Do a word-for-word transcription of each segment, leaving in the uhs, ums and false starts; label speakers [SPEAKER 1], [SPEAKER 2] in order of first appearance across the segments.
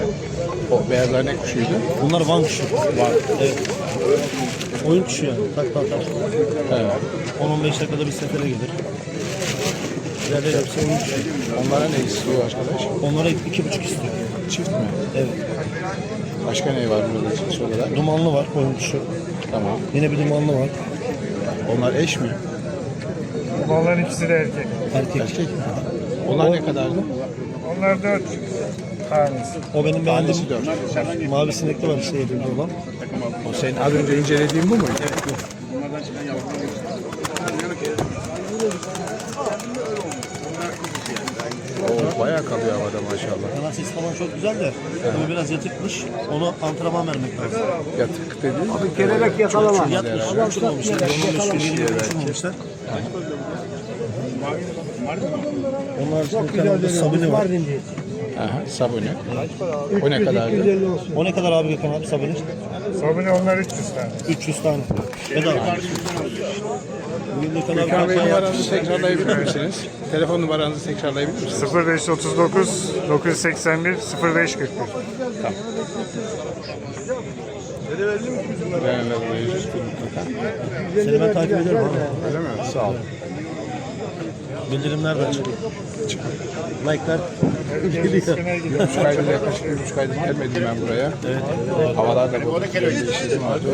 [SPEAKER 1] O beyazlar ne kuşuydu?
[SPEAKER 2] Bunlar Van kuşu.
[SPEAKER 1] Var.
[SPEAKER 2] Evet. Oyun kuşu yani. Tak tak tak.
[SPEAKER 1] Evet.
[SPEAKER 2] on on beş dakikada bir sefere gelir. İleride hepsi oyun kuşu.
[SPEAKER 1] Onlara ne istiyor arkadaş?
[SPEAKER 2] Onlara iki buçuk istiyor.
[SPEAKER 1] Çift mi?
[SPEAKER 2] Evet.
[SPEAKER 1] Başka ne var burada cins olarak?
[SPEAKER 2] Dumanlı var oyun kuşu.
[SPEAKER 1] Tamam.
[SPEAKER 2] Yine bir dumanlı var.
[SPEAKER 1] Onlar eş mi?
[SPEAKER 3] Onların ikisi de erkek.
[SPEAKER 2] Erkek.
[SPEAKER 1] Erkek mi? Onlar ne kadardı?
[SPEAKER 3] Onlar dört tanesi.
[SPEAKER 2] O benim
[SPEAKER 1] Tanesi
[SPEAKER 2] beğendiğim
[SPEAKER 1] dört.
[SPEAKER 2] mavi sinekli var işte elimde olan.
[SPEAKER 1] O senin az önce incelediğin bu muydu? Oo, bayağı kalıyor havada maşallah.
[SPEAKER 2] Kanal sesi falan çok güzel de tabii biraz yatıkmış. Onu antrenman vermek lazım.
[SPEAKER 1] Yatık dediğin
[SPEAKER 3] Abi kelebek yakalama.
[SPEAKER 2] Yatmış. Uçurmamışlar. Uçurmamışlar. Onlar için bir tane sabuni var.
[SPEAKER 1] Aha, sabuni. O ne kadardı?
[SPEAKER 2] O ne kadar abi Gökhan abi sabuni?
[SPEAKER 3] Sabuni onlar üç yüz tane.
[SPEAKER 2] üç yüz tane. Bedava. Bugün Gökhan abi
[SPEAKER 1] Gökhan Bey
[SPEAKER 2] kampanya yaptı.
[SPEAKER 1] numaranızı tekrarlayabilir misiniz? Telefon numaranızı tekrarlayabilir misiniz?
[SPEAKER 3] sıfır beş otuz dokuz dokuz yüz seksen bir sıfır beş kırk bir.
[SPEAKER 1] Ben de burayı üstü mutlaka.
[SPEAKER 2] Seni ben takip ederim abi.
[SPEAKER 1] Öyle mi? Sağ ol.
[SPEAKER 2] Bildirimler de açık. Like'lar geliyor.
[SPEAKER 1] Bir buçuk aydır yaklaşık bir buçuk aydır gelmedim ben buraya. Evet. Havalar da bozuk. Değiştirdim artık.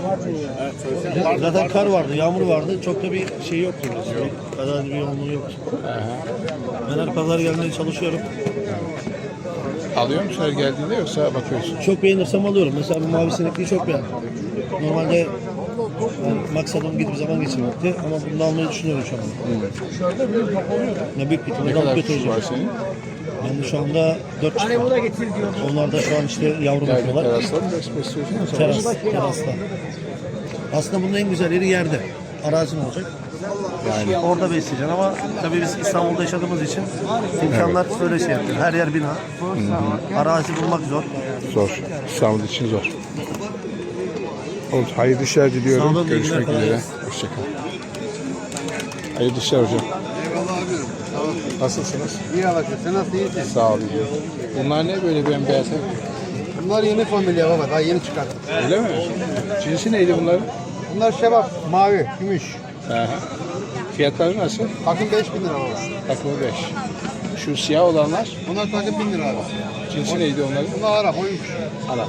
[SPEAKER 2] Zaten kar vardı, yağmur vardı. Çok da bir şey yoktu. Bir kadar bir yoğunluğu yoktu. Ben her pazar gelmeye çalışıyorum.
[SPEAKER 1] Alıyor musun her geldiğinde yoksa bakıyorsun?
[SPEAKER 2] Çok beğenirsem alıyorum. Mesela bu mavi sinekliği çok beğendim. Normalde yani maksadım gidip zaman geçirmekti ama bunu da almayı düşünüyorum şu anda. Ne büyük bir
[SPEAKER 1] Ne
[SPEAKER 2] ihtimalle
[SPEAKER 1] kadar
[SPEAKER 2] alıp
[SPEAKER 1] kuş
[SPEAKER 2] götüreceğim.
[SPEAKER 1] var senin?
[SPEAKER 2] Ben de şu anda dört çıktı. Onlar da şu an işte yavru
[SPEAKER 1] Yani
[SPEAKER 2] bakıyorlar.
[SPEAKER 1] terasla mı besliyorsun yoksa?
[SPEAKER 2] Teras, terasta. Aslında bunun en güzel yeri yerde. Arazin olacak. Yani orada besleyeceksin ama tabii biz İstanbul'da yaşadığımız için imkanlar böyle şey yapıyor. Her yer bina. Arazi bulmak zor.
[SPEAKER 1] Zor. İstanbul için zor. Oğlum, hayırlı işler diliyorum.
[SPEAKER 2] Sağ olun,
[SPEAKER 1] Görüşmek
[SPEAKER 2] iyi günler, kolay
[SPEAKER 1] üzere.
[SPEAKER 2] gelsin.
[SPEAKER 1] Hoşçakal. Hayırlı işler hocam.
[SPEAKER 4] Eyvallah abim.
[SPEAKER 1] Nasılsınız?
[SPEAKER 4] İyi alakası. Sen nasıl iyisin?
[SPEAKER 1] Sağ olun. Bunlar ne böyle bembeyaz?
[SPEAKER 4] Bunlar yeni familya baba. Daha yeni çıkarttık.
[SPEAKER 1] Öyle mi? Cinsi neydi bunların?
[SPEAKER 4] Bunlar şebap, mavi, gümüş.
[SPEAKER 1] Aha. Fiyatları nasıl?
[SPEAKER 4] Takım beş bin lira baba.
[SPEAKER 1] Takımı beş. Şu siyah olanlar,
[SPEAKER 4] Bunlar takım bin lira abi.
[SPEAKER 1] cinsi neydi onların?
[SPEAKER 4] Bunlar Arap, oymuş.
[SPEAKER 1] Arap.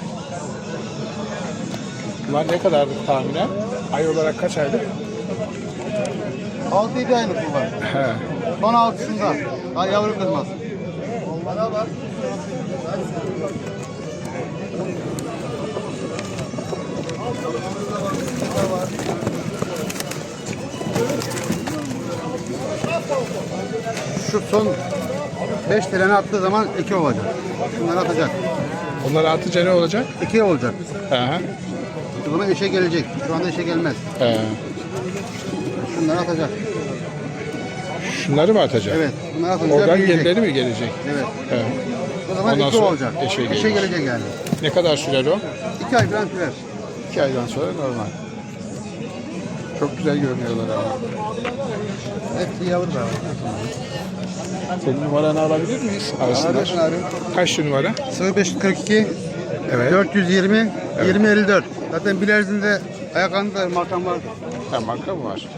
[SPEAKER 1] Bunlar ne kadardı tahminen? Ay olarak kaç aylık?
[SPEAKER 4] altı yedi aylık bunlar.
[SPEAKER 1] He.
[SPEAKER 4] Son altısında. Daha yavru kızmaz. Şu son beş treni attığı zaman iki olacak. Şunları atacak.
[SPEAKER 1] Onlar atınca ne olacak?
[SPEAKER 4] iki olacak.
[SPEAKER 1] Aha.
[SPEAKER 4] O zaman eşe gelecek. Şu anda eşe gelmez.
[SPEAKER 1] He.
[SPEAKER 4] Şunları atacak.
[SPEAKER 1] Şunları mı atacak?
[SPEAKER 4] Evet. Bunları atınca
[SPEAKER 1] Oradan
[SPEAKER 4] büyüyecek.
[SPEAKER 1] gerileri mi gelecek?
[SPEAKER 4] Evet.
[SPEAKER 1] He.
[SPEAKER 4] O zaman
[SPEAKER 1] Ondan
[SPEAKER 4] iki
[SPEAKER 1] sonra
[SPEAKER 4] olacak.
[SPEAKER 1] eşe
[SPEAKER 4] Eşe,
[SPEAKER 1] gelecek.
[SPEAKER 4] gelecek yani.
[SPEAKER 1] Ne kadar sürer o?
[SPEAKER 4] İki ay falan sürer.
[SPEAKER 1] İki aydan sonra normal. Çok güzel görünüyorlar ama.
[SPEAKER 4] Hepsi yavru da.
[SPEAKER 1] Senin numaranı alabilir miyiz? Arasınlar.
[SPEAKER 4] Arasın abi.
[SPEAKER 1] Kaç şu numara?
[SPEAKER 4] sıfır beş kırk iki
[SPEAKER 1] Evet.
[SPEAKER 4] dört yüz yirmi yirmi elli dört. Zaten Bilerzinde ayaklarında makam var.
[SPEAKER 1] Ha, marka mı var?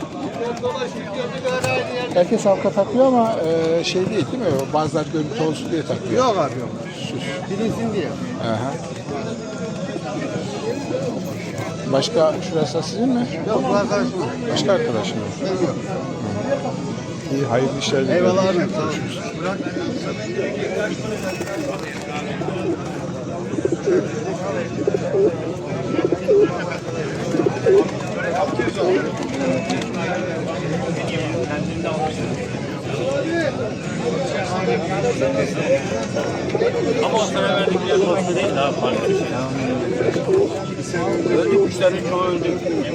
[SPEAKER 1] Herkes halka takıyor ama e, şey değil değil mi? Bazılar görüntü olsun diye takıyor.
[SPEAKER 4] Yok abi yok.
[SPEAKER 1] Süs.
[SPEAKER 4] Bilinsin diye.
[SPEAKER 1] Aha. Başka şurası sizin mi?
[SPEAKER 4] Yok bu arkadaşım.
[SPEAKER 1] Başka arkadaşım mı?
[SPEAKER 4] Yok.
[SPEAKER 1] İyi, hayırlı işler diliyorum.
[SPEAKER 4] Eyvallah abi. Sağ ol. Bırak.
[SPEAKER 2] Ama o sana verdikleri dostu değil abi. Öldü kuşların çoğu öldü.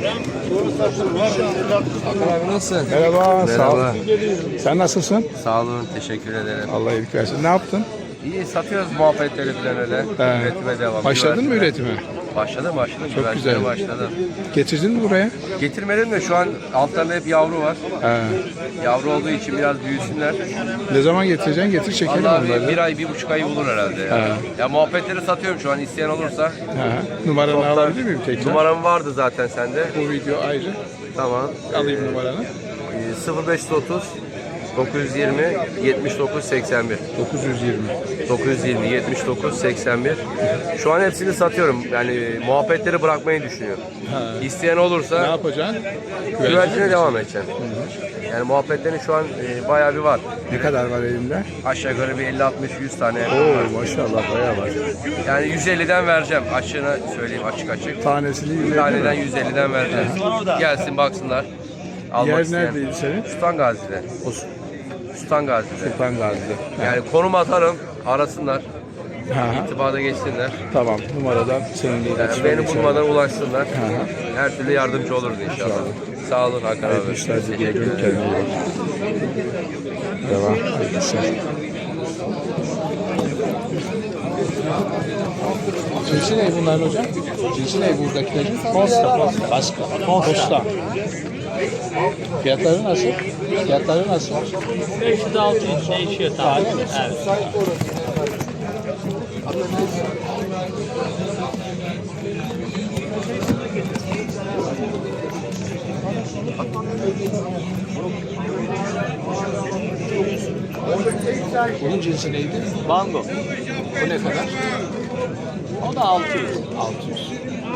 [SPEAKER 4] Abi nasılsın?
[SPEAKER 1] Merhaba, sağ ol.
[SPEAKER 5] Merhaba.
[SPEAKER 1] Sen nasılsın?
[SPEAKER 5] Sağ olun, teşekkür ederim.
[SPEAKER 1] Allah iyilik versin. Ne yaptın?
[SPEAKER 5] İyi satıyoruz muhabbetleri falan öyle.
[SPEAKER 1] He.
[SPEAKER 5] Üretime devam.
[SPEAKER 1] Başladın mı
[SPEAKER 5] Üretime.
[SPEAKER 1] üretime?
[SPEAKER 5] Başladım başladım.
[SPEAKER 1] Çok
[SPEAKER 5] Güvercinlere
[SPEAKER 1] güzel.
[SPEAKER 5] başladım.
[SPEAKER 1] Getirdin mi buraya?
[SPEAKER 5] Getirmedim de şu an altlarında hep yavru var.
[SPEAKER 1] Ha.
[SPEAKER 5] Yavru olduğu için biraz büyüsünler.
[SPEAKER 1] Ne zaman getireceksin? Getir çekelim
[SPEAKER 5] Vallahi
[SPEAKER 1] onları.
[SPEAKER 5] bir, bir ay, bir buçuk ay olur herhalde ya.
[SPEAKER 1] Ha.
[SPEAKER 5] Ya muhabbetleri satıyorum şu an isteyen olursa.
[SPEAKER 1] Ha. Numaranı alabilir miyim tekrar?
[SPEAKER 5] Numaram vardı zaten sende.
[SPEAKER 1] Bu video ayrı.
[SPEAKER 5] Tamam.
[SPEAKER 1] Alayım numaranı.
[SPEAKER 5] Ee, sıfır beş otuz dokuz yüz yirmi yetmiş dokuz seksen bir.
[SPEAKER 1] dokuz yüz yirmi.
[SPEAKER 5] dokuz yüz yirmi yetmiş dokuz seksen bir. Şu an hepsini satıyorum. Yani muhabbetleri bırakmayı düşünüyorum.
[SPEAKER 1] Ha.
[SPEAKER 5] İsteyen
[SPEAKER 1] Ne
[SPEAKER 5] olursa
[SPEAKER 1] yapacaksın?
[SPEAKER 5] güvercine devam edeceğim. Yani muhabbetlerin şu an e, bayağı bir var.
[SPEAKER 1] Ne kadar var elinde?
[SPEAKER 5] Aşağı yukarı bir elli altmış yüz tane.
[SPEAKER 1] Oo maşallah bayağı var.
[SPEAKER 5] Yani yüz elliden vereceğim. Açığını söyleyeyim açık açık.
[SPEAKER 1] Tanesini yüz
[SPEAKER 5] Bir
[SPEAKER 1] elli
[SPEAKER 5] taneden
[SPEAKER 1] mi?
[SPEAKER 5] yüz elliden vereceğim. Gelsin baksınlar. Almak
[SPEAKER 1] Yer
[SPEAKER 5] isteyen.
[SPEAKER 1] neredeydi senin?
[SPEAKER 5] Sultan Gazi'de.
[SPEAKER 1] O
[SPEAKER 5] Sultan Gazi'de.
[SPEAKER 1] Sultan Gazi'de.
[SPEAKER 5] Yani konum atarım, arasınlar,
[SPEAKER 1] Ha, ha.
[SPEAKER 5] itibada geçsinler.
[SPEAKER 1] Tamam numaradan seninle
[SPEAKER 5] Yani
[SPEAKER 1] iletişime
[SPEAKER 5] beni
[SPEAKER 1] geçelim.
[SPEAKER 5] bulmadan ulaşsınlar.
[SPEAKER 1] Ha, ha.
[SPEAKER 5] Her türlü yardımcı oluruz inşallah. Sağ olun Hakan
[SPEAKER 1] Hayırlı
[SPEAKER 5] abi.
[SPEAKER 1] işler
[SPEAKER 5] Teşekkür
[SPEAKER 1] diliyorum.
[SPEAKER 5] ederim.
[SPEAKER 1] Kendine iyi bak. Devam. Hayırlı işler. Cinsi ne bunların hocam? Cinsi ne buradakilerin? Posta. Posta. Baska. Posta. Fiyatları nasıl? Fiyatları nasıl?
[SPEAKER 6] beş yüz altı yüz değişiyor tabii. Evet.
[SPEAKER 1] Bunun cinsi neydi?
[SPEAKER 6] Bango.
[SPEAKER 1] Bu ne kadar?
[SPEAKER 6] O da altı yüz.
[SPEAKER 1] altı yüz.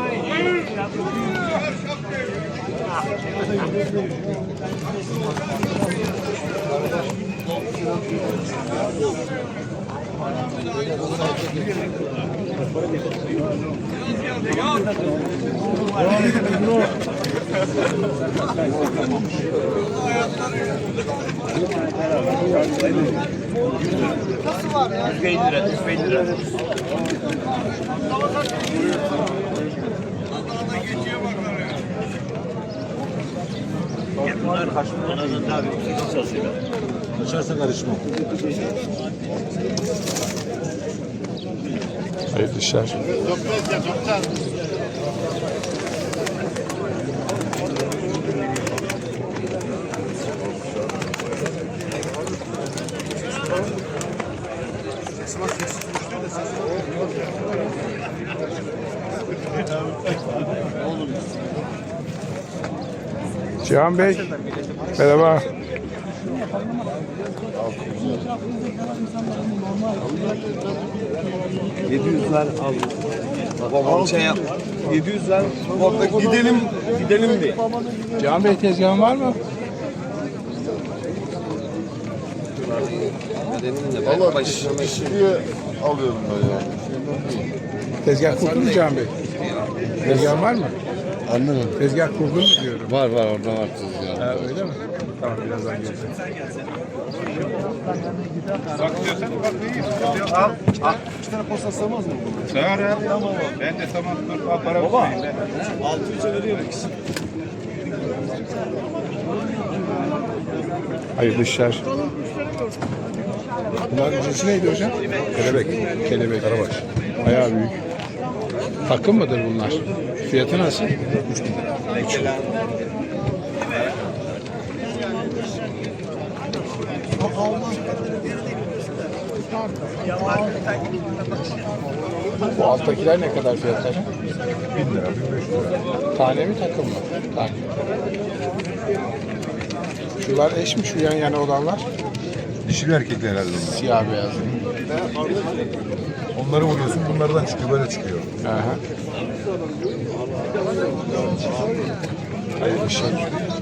[SPEAKER 1] Hayırlı işler. Cihan Bey, merhaba.
[SPEAKER 7] yedi yüzler al. Babam şey yap. yedi yüzler. Orada gidelim, gidelim diye.
[SPEAKER 1] Cihan Bey tezgahın var mı?
[SPEAKER 7] Valla dişliye alıyorum ben ya.
[SPEAKER 1] Tezgah kurdun mu Cihan Bey? Tezgahın var mı?
[SPEAKER 7] Anladım.
[SPEAKER 1] Tezgah kurdun mu diyorum.
[SPEAKER 7] Var var orada var tezgah.
[SPEAKER 1] Ha, öyle mi? Tamam birazdan geleceğim.
[SPEAKER 7] İki tane posta sığmaz mı?
[SPEAKER 8] Sağır ya. Ben de tamam dur. Al para Baba.
[SPEAKER 7] altı yüze veriyor ikisi.
[SPEAKER 1] Hayırlı işler. Bunların cinsi neydi hocam? Kelebek. Kelebek. Karabaş. Bayağı büyük. Takım mıdır bunlar? Fiyatı nasıl? üç bin lira. üç bin. Bu alttakiler ne kadar fiyatları? bin lira, bin beş lira. Tane mi takım mı? Tane. Şular eş mi şu yan yana olanlar?
[SPEAKER 8] Dişili erkekli herhalde.
[SPEAKER 1] Siyah beyaz.
[SPEAKER 8] Onları vuruyorsun bunlardan çıkıyor böyle çıkıyor.
[SPEAKER 1] Aha. Hayırlı işler.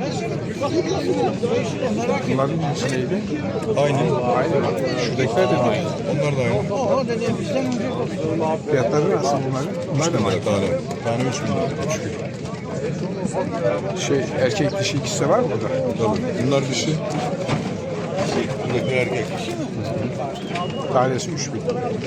[SPEAKER 1] Bunların cinsi neydi?
[SPEAKER 8] Aynı.
[SPEAKER 1] Aynı mı? Şuradakiler de mi aynı?
[SPEAKER 8] Onlar da aynı.
[SPEAKER 1] Fiyatları nasıl bunların? Bunlar da mı aynı?
[SPEAKER 8] Tane. Tane üç bin lira. üç bin.
[SPEAKER 1] Şey, erkek dişi ikisi de var mı burada?
[SPEAKER 8] Tabii. Bunlar dişi. Buradakiler erkek.
[SPEAKER 1] Tanesi üç bin.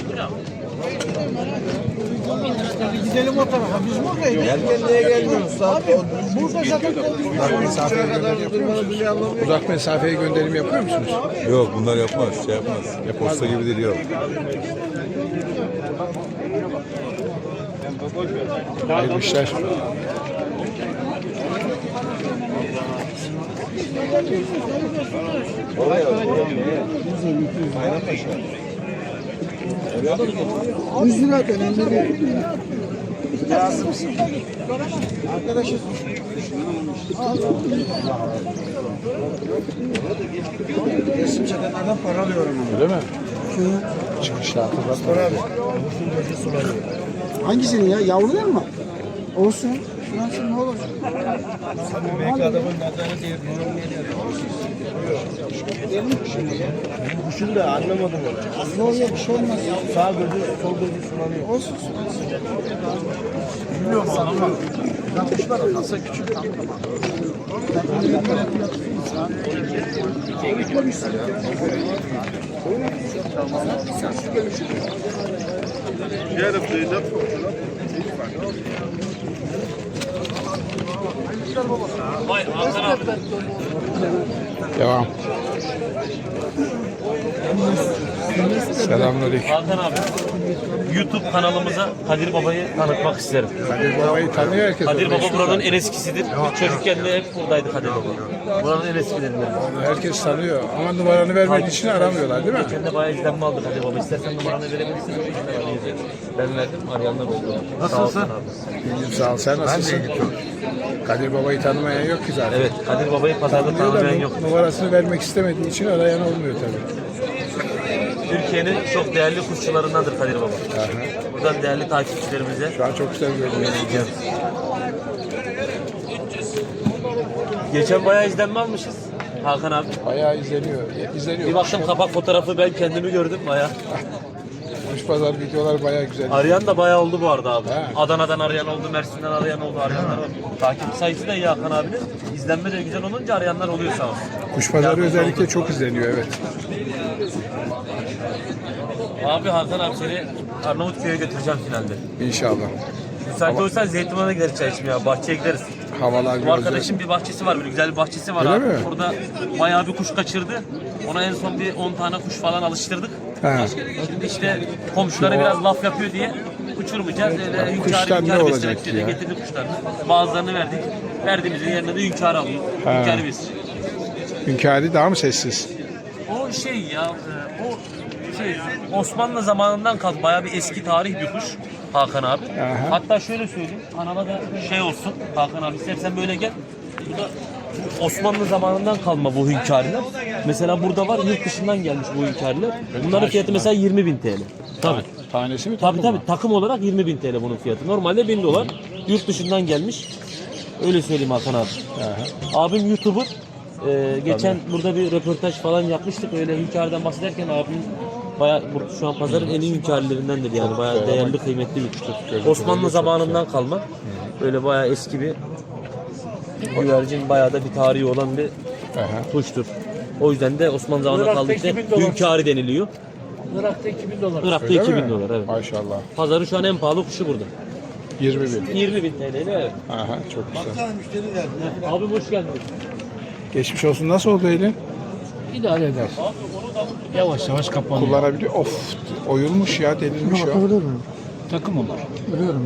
[SPEAKER 9] Gidelim o tarafa. Biz buradayız.
[SPEAKER 7] Erken niye gelmiyorsun? Saat
[SPEAKER 9] Burada zaten
[SPEAKER 1] Uzak mesafeye gönderim yapıyor musunuz? Uzak mesafeye gönderim yapıyor musunuz?
[SPEAKER 8] Yok bunlar yapmaz. Şey yapmaz. Posta gibi değil yok.
[SPEAKER 1] Hayırlı işler.
[SPEAKER 9] yüz lira önemli değil. Arkadaşız. Resim çekenlerden para alıyorum.
[SPEAKER 1] Öyle mi? Çıkışta hatırlatma.
[SPEAKER 9] Hangisini ya? Yavru değil mi? Olsun. Şurası ne olur? Belki adamın nazarı değil.
[SPEAKER 2] Kuşun da anlamadım onu.
[SPEAKER 9] Yok yok bir şey olmaz.
[SPEAKER 2] Sağ gözü, sol gözü sulanıyor.
[SPEAKER 9] Olsun.
[SPEAKER 2] Bilmiyorum ama. Kuşlar olmasa küçük.
[SPEAKER 6] Vay Hakan abi.
[SPEAKER 1] Devam. Selamünaleyküm.
[SPEAKER 6] Hakan abi. YouTube kanalımıza Kadir Baba'yı tanıtmak isterim.
[SPEAKER 1] Kadir Baba'yı tanıyor herkes.
[SPEAKER 6] Kadir
[SPEAKER 1] orada
[SPEAKER 6] Baba
[SPEAKER 1] işte.
[SPEAKER 6] buranın en eskisidir. Çocukken de hep buradaydı Kadir Baba. Buranın en eskilerinden.
[SPEAKER 1] Herkes tanıyor ama numaranı vermek için aramıyorlar değil mi?
[SPEAKER 6] Geçen de bayağı izlenme aldı Kadir Baba. İstersen numaranı verebilirsin. Ben verdim. Arayanlar oldu. Nasılsın?
[SPEAKER 1] İyiyim sağ ol. Sen nasılsın? Kadir Baba'yı tanımayan yok ki zaten.
[SPEAKER 6] Evet. Kadir Baba'yı pazarda
[SPEAKER 1] Tanıyor da
[SPEAKER 6] tanımayan yok.
[SPEAKER 1] numarasını vermek istemediği için arayan olmuyor tabii.
[SPEAKER 6] Türkiye'nin çok değerli kuşçularındandır Kadir Baba. Buradan değerli takipçilerimize
[SPEAKER 1] Şu an çok güzel görünüyor.
[SPEAKER 6] geçen bayağı izlenme almışız Hakan abi.
[SPEAKER 1] Bayağı izleniyor. İzleniyor.
[SPEAKER 6] Bir baktım kapak fotoğrafı ben kendimi gördüm bayağı.
[SPEAKER 1] Kuş pazar videolar bayağı güzel.
[SPEAKER 6] Arayan da bayağı oldu bu arada abi.
[SPEAKER 1] He.
[SPEAKER 6] Adana'dan arayan oldu, Mersin'den arayan oldu, arayanlar var. Takip sayısı da iyi Hakan abinin. İzlenme de güzel olunca arayanlar oluyor sağ olsun.
[SPEAKER 1] Kuş pazarı özellikle çok izleniyor evet.
[SPEAKER 6] Abi Hakan abi seni Arnavutköy'e götüreceğim finalde.
[SPEAKER 1] İnşallah.
[SPEAKER 6] Müsait olursan Zeytinburnu'na gideriz çay içmeye, bahçeye gideriz.
[SPEAKER 1] Havalar
[SPEAKER 6] Bu
[SPEAKER 1] güzel.
[SPEAKER 6] arkadaşın bir bahçesi var, böyle güzel bir bahçesi var
[SPEAKER 1] Öyle
[SPEAKER 6] abi.
[SPEAKER 1] mi?
[SPEAKER 6] Orada bayağı bir kuş kaçırdı. Ona en son bir on tane kuş falan alıştırdık.
[SPEAKER 1] He.
[SPEAKER 6] Şimdi işte komşuları biraz laf yapıyor diye uçurmayacağız. Öyle
[SPEAKER 1] Kuşlar
[SPEAKER 6] hünkârı
[SPEAKER 1] ne
[SPEAKER 6] hünkârı
[SPEAKER 1] olacak
[SPEAKER 6] beslemek diye
[SPEAKER 1] ya?
[SPEAKER 6] getirdik kuşlarını. Bazılarını verdik. Verdiğimizin yerine de hünkârı alıyor.
[SPEAKER 1] He.
[SPEAKER 6] Hünkârı besliyor.
[SPEAKER 1] Hünkârı daha mı sessiz?
[SPEAKER 6] O şey ya, e, o şey Osmanlı zamanından kalk bayağı bir eski tarih bir kuş Hakan abi.
[SPEAKER 1] Aha.
[SPEAKER 6] Hatta şöyle söyleyeyim, kanala da şey olsun Hakan abi, istersen böyle gel. Bu da Osmanlı zamanından kalma bu hünkârlar. Mesela burada var, yurt dışından gelmiş bu hünkârlar. Bunların fiyatı mesela yirmi bin T L. Tabii.
[SPEAKER 1] Tanesi mi?
[SPEAKER 6] Tabii
[SPEAKER 1] takım
[SPEAKER 6] tabii
[SPEAKER 1] mı?
[SPEAKER 6] takım olarak yirmi bin T L bunun fiyatı. Normalde bin dolar. Yurt dışından gelmiş. Öyle söyleyeyim Hakan abi.
[SPEAKER 1] Aha.
[SPEAKER 6] Abim YouTuber. Ee, geçen burada bir röportaj falan yapmıştık. Öyle hünkârdan bahsederken abim bayağı bu- şu an pazarın en iyi hünkârleridendir yani. Bayağı değerli, kıymetli bir kuştur. Osmanlı zamanından kalma. Böyle bayağı eski bir güvercin, bayağı da bir tarihi olan bir
[SPEAKER 1] Aha.
[SPEAKER 6] kuştur. O yüzden de Osmanlı zamanında kaldığı için hünkârı deniliyor.
[SPEAKER 9] Irak'ta iki bin dolar.
[SPEAKER 6] Irak'ta
[SPEAKER 1] Öyle
[SPEAKER 6] iki bin
[SPEAKER 1] mi?
[SPEAKER 6] dolar evet.
[SPEAKER 1] Maşallah.
[SPEAKER 6] Pazarın şu an en pahalı kuşu burada.
[SPEAKER 1] yirmi bin.
[SPEAKER 6] yirmi bin T L'yle evet.
[SPEAKER 1] Aha çok güzel.
[SPEAKER 6] Abi hoş geldiniz.
[SPEAKER 1] Geçmiş olsun. Nasıl oldu elin?
[SPEAKER 9] İdare eder. Yavaş yavaş kapanıyor.
[SPEAKER 1] Kullanabiliyor. Of. Oyulmuş ya. Delinmiş ya.
[SPEAKER 9] Takım olur. Biliyorum.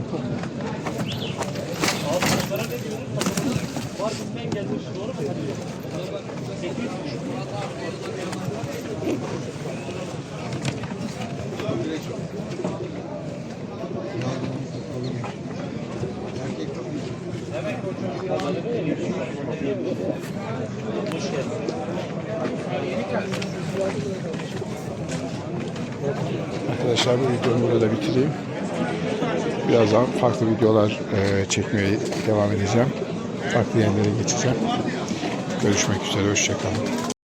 [SPEAKER 1] Arkadaşlar bu videomu burada bitireyim. Birazdan farklı videolar e, çekmeye devam edeceğim. Farklı yerlere geçeceğim. Görüşmek üzere. Hoşçakalın.